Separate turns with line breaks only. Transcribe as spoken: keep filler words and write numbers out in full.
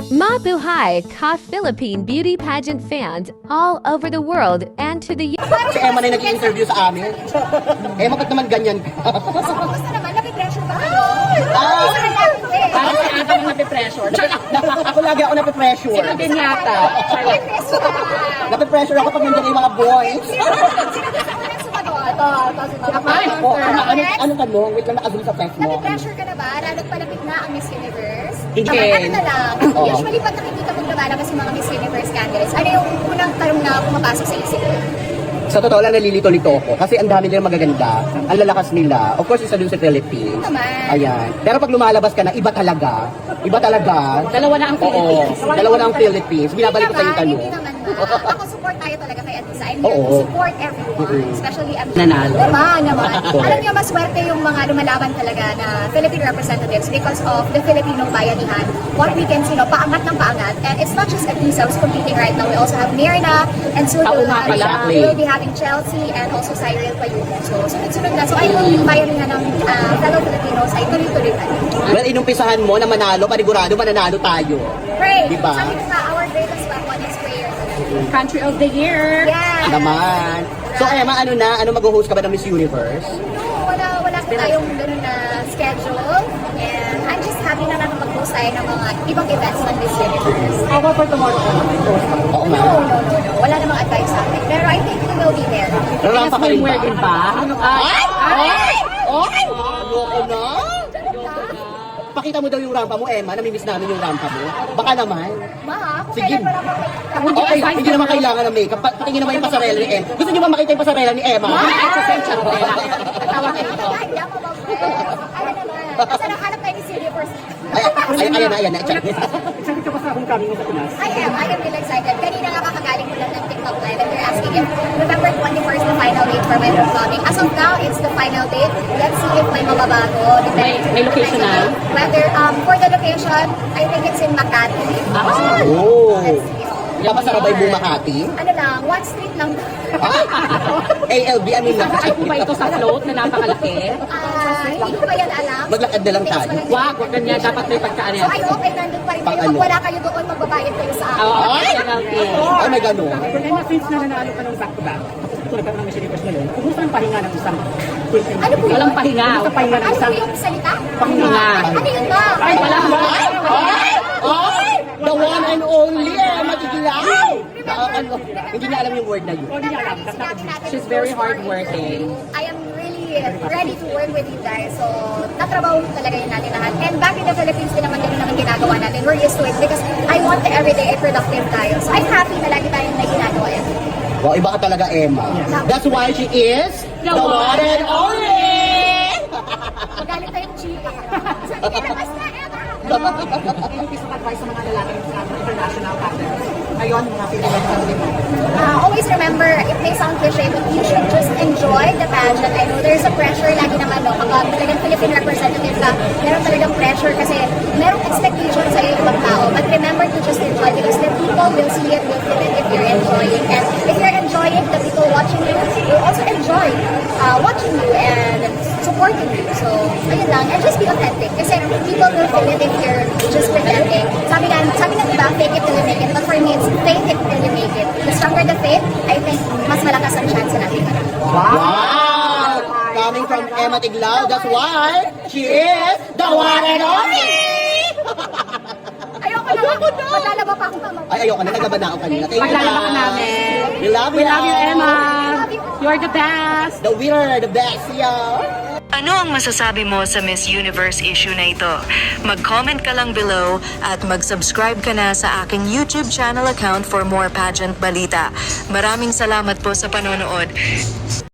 Mabuhay ka Philippine beauty pageant fans all over the world and to the
Si Emma na nag-i-interview sa amin. Emma, ba't naman ganyan ka?
Kumusta naman? Napipressure ba kayo?
Ah!
Gusto na natin eh.
Parang si Ata ang nape-pressure.
Ako lagi ako nape-pressure.
Sino din yata?
Napipressure ba?
Nape-pressure ako pag nandiyan yung mga boys.
Sino gusto mo nang sumagot?
Ito, ito si Mama. Oh, ano, ano, ano tanong? Wait lang, nakazul sa press mo.
Napipressure ka na ba? Lalo't palapit na ang Miss Universe?
Hindi.
Tama, ano na lang.
Oo.
Usually pag nakikita mong lumalabas yung mga Miss Universe candidates, ano yung unang tanong na pumapasok sa isip mo?
Sa totoo lang, nalilito-lito ako. Kasi ang dami nilang magaganda. Ang lalakas nila. Of course, isa dun sa Philippines.
Naman.
Ayan. Pero pag lumalabas ka na, iba talaga. Iba talaga.
Dalawa na ang Philippines.
Oo. Dalawa na ang Philippines. Binabalik ko sa yung tanong.
Hindi naman na. Ako support tayo talaga kay Atisa. I'm here
Oo.
to support everyone.
Mm-mm.
Especially M J.
Nanalo.
Naman, naman.
Correct.
Alam niyo, maswerte yung mga lumalaban talaga na Philippine representatives because of the Filipino bayanihan. What we can see, no, paangat ng paangat. And it's not just Atisa who's competing right now. We also have Mirna and soon
Oo
we'll,
nga
have,
pala.
we will be having Chelsea and also Cyril Payuco. So, sunod-sunod na. So, I hope yung bayanihan ng uh, fellow Filipinos ay tuloy-tuloy pa rin.
Well, inumpisahan mo na manalo, panigurado mananalo tayo.
Pray!
Diba?
Sabi ko nga, our greatest weapon is prayer.
Country of the year.
Yeah!
Naman. So, Emma, ano na? Ano mag-host ka ba ng Miss Universe?
No, wala, wala pa tayong ganun na schedule. And I'm just happy na nakapag-host tayo ng mga ibang events ng Miss Universe.
How about for tomorrow?
Oo
No,
nga.
no, no, no. Wala namang advice sa akin. Pero I think we will be there.
Rampa ka rin ba?
Swimwear din ba?
Ay!
Ay!
Ay! Ay! Ayoko na! Pakita mo daw yung rampa mo, Emma. Namimiss namin yung rampa mo. Baka naman.
Ma, kung
Sige.
kailan wala pang makikita.
Okay, hindi naman kailangan ng makeup. Pa- Patingin naman yung pasarela ni Emma. Gusto niyo ba makita yung pasarela ni Emma?
Exercise charotela. Tawag ka ito.
Ay, dama ba, friend? Ano naman? Kasi nakahanap tayo ni Miss Universe.
Ay, ay, ayan na, ayan na. Check.
Excited ka ba sa homecoming mo sa Pinas?
I am. I am really excited. Kanina nga kakagaling ko lang ng TikTok live and they're asking if November twenty-first the final date for my homecoming. As of now, it's the final date. Let's see if may mababago.
May- may location na?
Whether, um, for the location, I think it's in Makati.
Ah.
Oh.
Let's see.
Kapasarabay mo Makati.
Ano lang, one street lang.
A L B, ano lang.
Ay po ba ito sa float na napakalaki?
Ah, hindi ko pa yan alam.
Maglakad na lang
Because
tayo.
walang-
Wag, wag ganyan. Dapat may pagkaan
So
yan.
I hope ay nandun pa rin kayo.
Pang
Kung
ano?
wala kayo doon, magbabayad kayo sa akin.
Oo,
Ay!
penalty.
Ay, may ganun.
Kaya since na nanalo ka ng back-to-back, ito nagkaroon ng Miss Universe ngayon, kumusta ang pahinga ng isang queen?
Ano po yun?
Walang pahinga.
Kumusta pahinga ng
Ano po
isang
yung salita?
Pahinga.
Ano yun ba?
Ay, wala.
Ay! Ay! Ay! The one and only, Emma Tigilao! Nakakalo. Hindi niya alam yung word na yun.
hindi niya alam.
Sinabi natin
She's
yung
very
first word
hardworking.
is, I am really ready to work with you guys. So, tatrabaho talaga yun natin lahat. And back in the Philippines, din naman ganun naman ginagawa natin. We're used to it because I want the everyday productive tayo. So, I'm happy na lagi tayong may ginagawa yan.
Wow, iba ka talaga, Emma. That's why she is the one and only!
Magalit tayong chika. Sabi ka na, basta, Emma!
Any piece of advice sa mga lalaki sa international partners? Ngayon, mga Philippine country.
Uh, always remember, it may sound cliche, but you should just enjoy the pageant. I know there's a pressure lagi naman, no? Kapag talagang Philippine representative ka, meron talagang pressure kasi merong expectation sa iyo ibang tao. But remember to just enjoy because the people will see it, will feel it if you're enjoying. And if you're enjoying, the people watching you will also enjoy uh, watching you and supporting you. So, ayun lang. And just be authentic. Kasi people will feel it if you're just pretending. Sabi nga, sabi nga diba, fake it till you make it. But for me, it's fake it till you make it. The stronger the faith, I think mas malakas ang chance natin.
Wow! Coming from Emma Tiglao, that's why she is the one and only!
Ayoko na. Maglalaba pa akong pamamaw.
Ay, ayoko na. Nagaba na ako kanina. Thank you,
Paglalaba ka
guys.
namin.
We love you.
We love you, Emma. You're the best.
The winner, the best, yeah.
Ano ang masasabi mo sa Miss Universe issue na ito? Mag-comment ka lang below at mag-subscribe ka na sa aking YouTube channel account for more pageant balita. Maraming salamat po sa panonood.